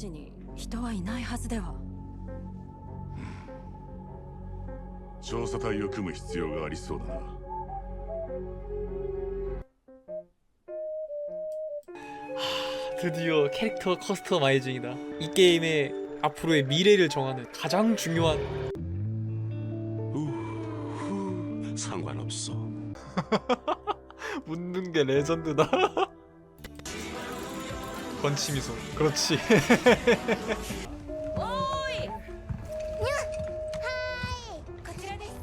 時に人はいないはずでは。 調査隊を組む必要がありそうだな。 드디어 캐릭터 커스터마이징이다. 이 게임의 앞으로의 미래를 정하는 가장 중요한 상관없어. 묻는 게 레전드다. 건치미소. 그렇지. おーい。こちらです。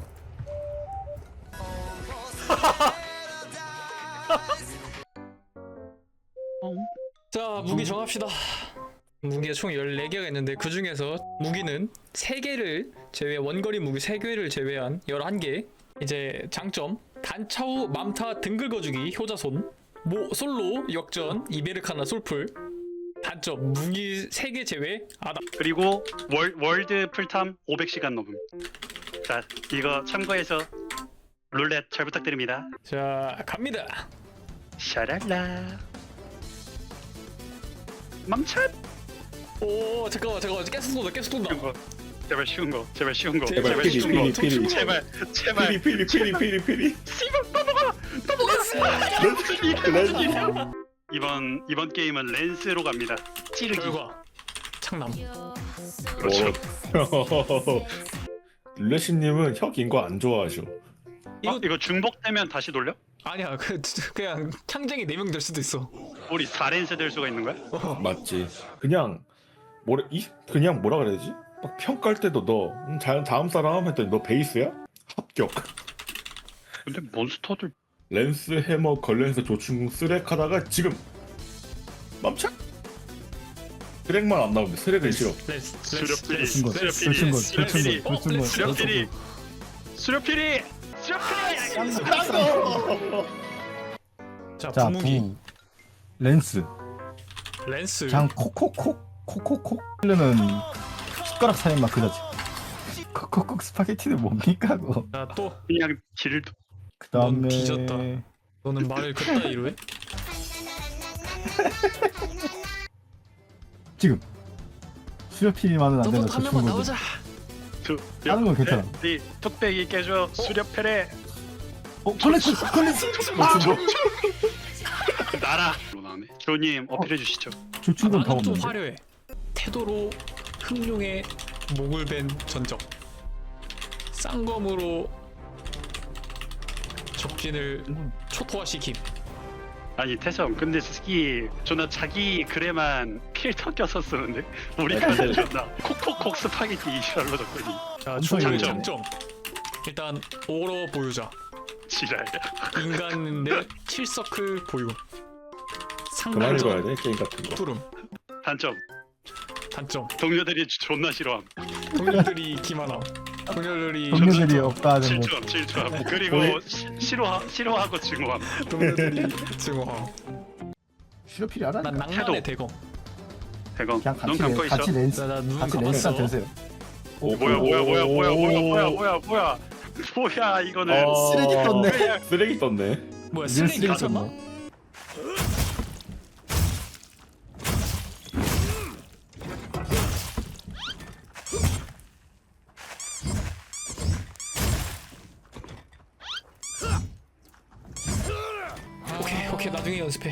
자, 무기 정합시다. 무기가 총 14개가 있는데 그 중에서 무기는 3개를 제외, 원거리 무기 3개를 제외한 11개. 이제 장점, 단차후 맘타 등 긁어주기 효자손, 솔로 역전 이베르카나 솔풀. 단점, 무기 3개 제외 아다. 그리고 월드 풀탐 500시간 넘음. 자, 이거 참고해서 룰렛 잘 부탁드립니다. 자, 갑니다. 샤랄라. 맘찬. 오, 잠깐만 계속 쏜다. 쉬운 거. 제발 쉬운 거. 제발 쉬운 거. 제발 제발 피리, 쉬운 거. 피리. 제발. 피리. 씨발 넘어가. 이번 게임은 랜스로 갑니다. 찌르기. 결과 창남. 그렇죠. 룰레시님은 혁 인 거 안 좋아하셔. 이거 중복되면 다시 돌려? 아니야, 그냥 창쟁이 4명 될 수도 있어. 우리 4랜스 될 수가 있는 거야? 맞지. 그냥 그냥 뭐라 그래야 되지? 막 평가할 때도 너 다음 사람 했더니 너 베이스야? 합격. 근데 몬스터들 랜스 해머 걸렌스 조충 쓰렉 하다가 지금 맘착. 쓰렉만 안 나오는데 쓰렉은 싫어. 수렵필이 수렵필이 자, 자, 부무기. 부 랜스 랜스. 장 콕콕콕 는 숟가락 사이만 그려지. 콕콕콕 스파게티는 뭡니까 그거. 자, 또 그냥 질 그 다음에 넌 뒤졌다. 너는 말을 그따위로 해? 지금 수렵필이만은 안 너도 된다. 한 명만 나오자. 다른 건 괜찮아. 네 뚝배기 깨줘 수렵패래 걸레스 나라 나오네. 조님 어필해 주시죠. 조충곤 다 나는 좀 없는데. 화려해. 태도로 흑룡의 목을 벤 전적. 쌍검으로 적진을 초토화시킴. 아니 태성 근데 스키 존나 자기 글에만 필터 껴서 쓰는데 우리 편은 존나 콕콕콕 스파게티 이시랄로 적더니 자, 엄청 중요한 장점. 장점. 일단 오러 보유자. 지랄. 인간인데 7서클 보유. 그만 상관적 읽어야 돼 게임 같은 거. 푸름. 단점 단점. 동료들이 존나 싫어함. 동료들이 기만함. 동료들이 동료들이 없다는 거. 질투함. 그리고 싫어하고 증오함. 동료들이 증오함. 수렵필이 알아? 난 낭만의 대검. 대건 그냥 눈 감고 있어. 같이 랜스 나눈 같이 감았어. 랜스나 되세요. 뭐야 이거는 쓰레기 떴네. 쓰레기 떴네. 뭐야, 이건 쓰레기 쓰레기 가졌나? 떴네. 오케이 나중에 연습해.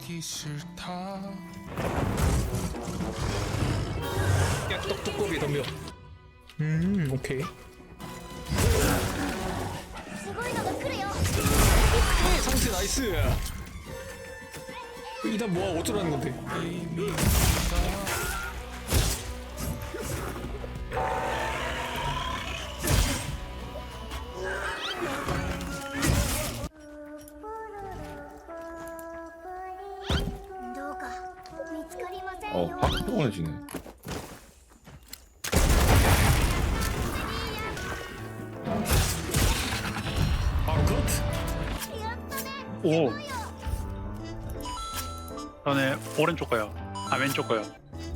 야, 떡두꺼비 덤벼. 오케이. 오케이, 상태 나이스. 이단 뭐야, 어쩌라는 건데? 확 피곤해지네. 바로 컷. 오. 저는 오른쪽 거요. 아 왼쪽 거요.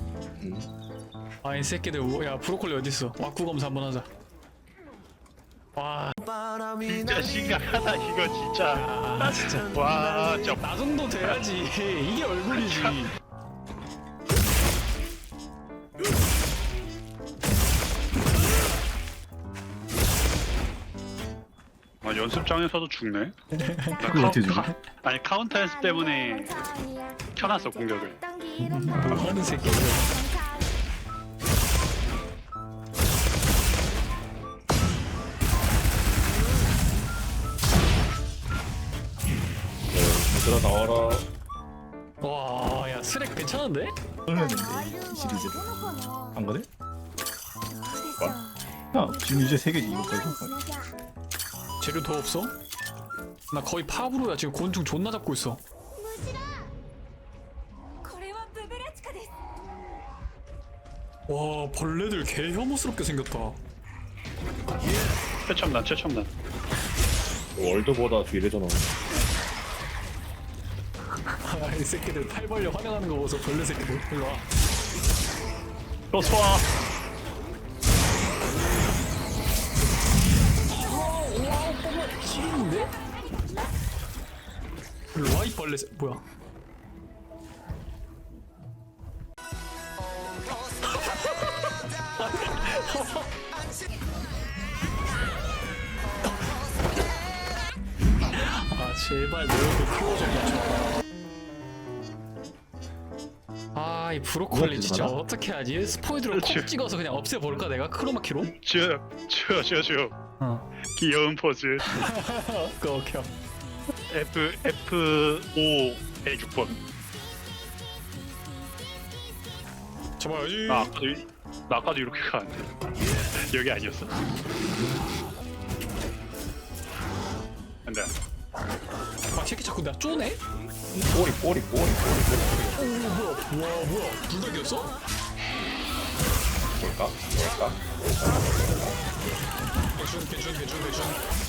아, 이 새끼들. 야, 브로콜리 어딨어? 와꾸 검사 한번 하자. 와, 진짜 심각하다 이거 진짜. 아, 진짜. 와, 진짜 나 정도 돼야지. 이게 얼굴이지. 아 연습장에서도 죽네. 나 그걸 어떻게 주지? 아니 카운터 연습 때문에 켜놨어 공격을. 뭐 하는 새끼야. 얘들아 나와라. 와, 야 스렉 괜찮은데? 떨렸는데 이 시리즈 안 그래? 야 지금 이제 3개지 이거 빼고. 재료 더 없어? 나 거의 팝으로야 지금 곤충 존나 잡고 있어. これはブブラチカです 와, 벌레들 개 혐오스럽게 생겼다. 최첨단. 월드보다 뒤래잖아. 아, 이 새끼들 팔 벌려 환영하는 거 보소. 벌레 새끼들. 일로 와. 좋아. 지리는데? 일로 와, 이 벌레 새... 뭐야? 아 제발 내 얼굴 키워줘. 아, 이 브로콜리 진짜 들어가나? 어떻게 하지? 스포이드로 콕 찍어서 그냥 없애볼까 내가? 크로마키로? 쭉. 어. 귀여운 포즈. 오케이. F5에 6번. 잡아야지. 나 아까도 이렇게 가는데 여기 아니었어? 안돼. 아, 새끼 자꾸 나 쪼네? 꼬리. 와, 뭐야? 불닭이었어? 뭘까? 괜찮.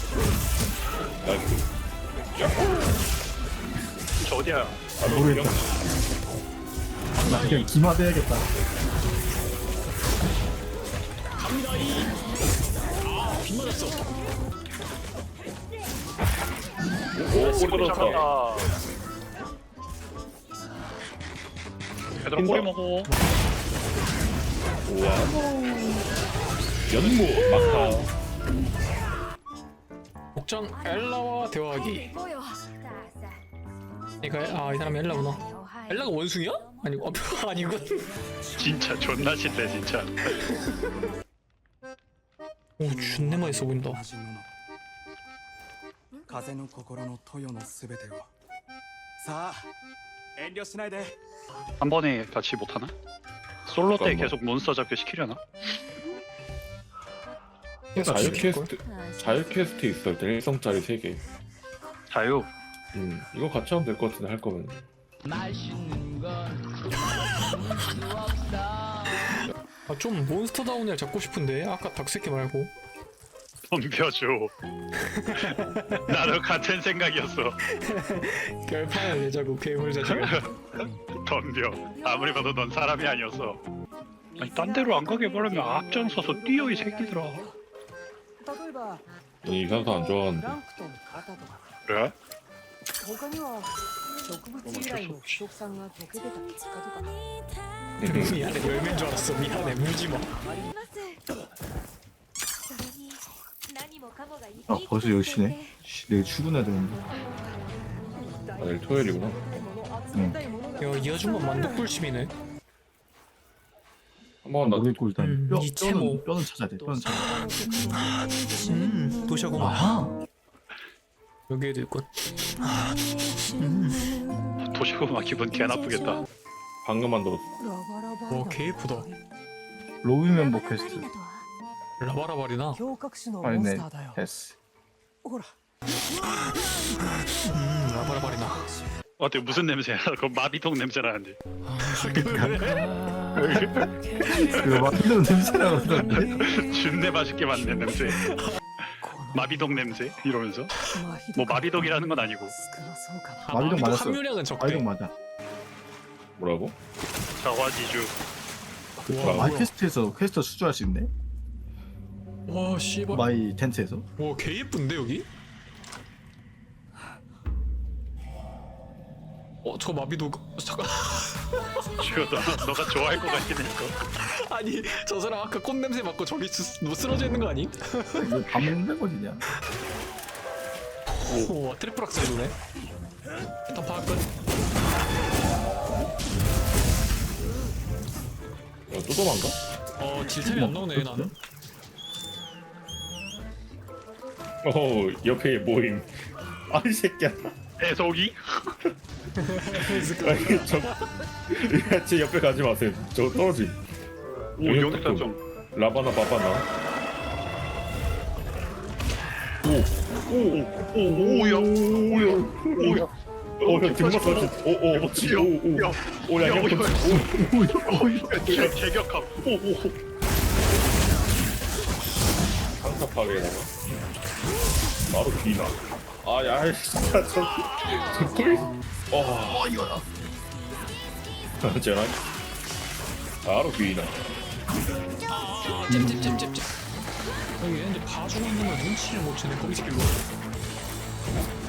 저 어디야? 모르겠다. 나 그냥 기마돼야겠다. 갑니다, 빗 맞았어. 오 꼬리 들었다. 잡았다. 얘들아 꼬리 먹어. 우와. 연무 막타. 복장 엘라와 대화하기. 行こうよ 이 사람이 엘라구나. 엘라가 원숭이야? 아니고 아니군. 진짜 존나 싫대 진짜. 오, 존내 맛있어 보인다. 同じもの風の心の豊のすべてをさあ遠慮しないで 한 번에 같이 못하나? 솔로 때 잠깐만. 계속 몬스터 잡기 시키려나? 자유 퀘스트 있어. 일단 1성짜리 3개. 자유. 이거 같이 하면 될 것 같은데 할 거면. 아, 좀 몬스터다운 애 잡고 싶은데 아까 닭새끼 말고. 덤벼줘. 나도 같은 생각이었어. 결판을 내자고 괴물 자식아. 덤벼. 아무리 봐도 넌 사람이 아니었어. 아니 딴 데로 안 가게 바라면 앞장서서 뛰어 이 새끼들아. 넌 이산소 안 좋아하는데. プランクトン型とか 그래? 他には植物由来の腐食酸が溶け出た結果とか 미안해, 열매인 줄 알았어. 미안해, 물지마. それに何もかもがいい 아 벌써 10시네. 내일 출근해야 되는데. 내일 토요일이구나. 야, 이 아줌마 만독불심이네. 한번 나 모르겠고 일단 뼈, 이 채모. 뼈는 찾아야 돼. 뼈는 찾아야 돼. 도시하고만. 아하. 여기에도 있군. 도시고마 기분 개 나쁘겠다. 방금 만들었어. 와, 개 예쁘다. 로비 멤버 퀘스트. 라바라바리나. 胸郭種のモン 아니네. スターだよ 됐어. ほら 라바라바리나. 어때 무슨 냄새야? 그거 마비동 냄새 나는데. 그거 막 이런 냄새나 그러던데. 준내 맛있게 만든 냄새. 마비동 냄새 이러면서. 뭐 마비동이라는 건 아니고. 少なそうかな 아, 마비동 마비동 맞았어. 함유량은 적대. 아이동 맞아. 뭐라고? 자화지주. 와, 마이 뭐야. 퀘스트에서 퀘스트 수주할 수 있네. 와, 씨발. 마이 텐트에서. 와, 개 예쁜데 여기? 저 마비도 잠깐. 지금 너가 좋아할 것 같긴 해. 이거. 아니, 저 사람 아까 꽃 냄새 맡고 저기 쓰러져 있는 거 아니? 이거 밥 먹는 거지냐? 오 트리플 악셀 도네. 일단 파악 끝. 또 도망가? 질템이 안 나오네 나는. 옆에 모임. 아이 새끼야. 애속이? 아니 제 옆에 가지 마세요. 저 떨어지. 오 여기다 좀. 라바나 바바나. 오오오오야 오야. 야 등막 떨어지. 그렇지. 오야 야, 그렇지. 개격함. 오오. 상사 파괴에다가 바로 비나. 아야 진짜 저 꿀. 이거다. 쟤나 바로 비나. 잽잽잽잽잽. 여기 얘네들 봐주고 있는 걸 눈치를 못 채네 거기서 길로.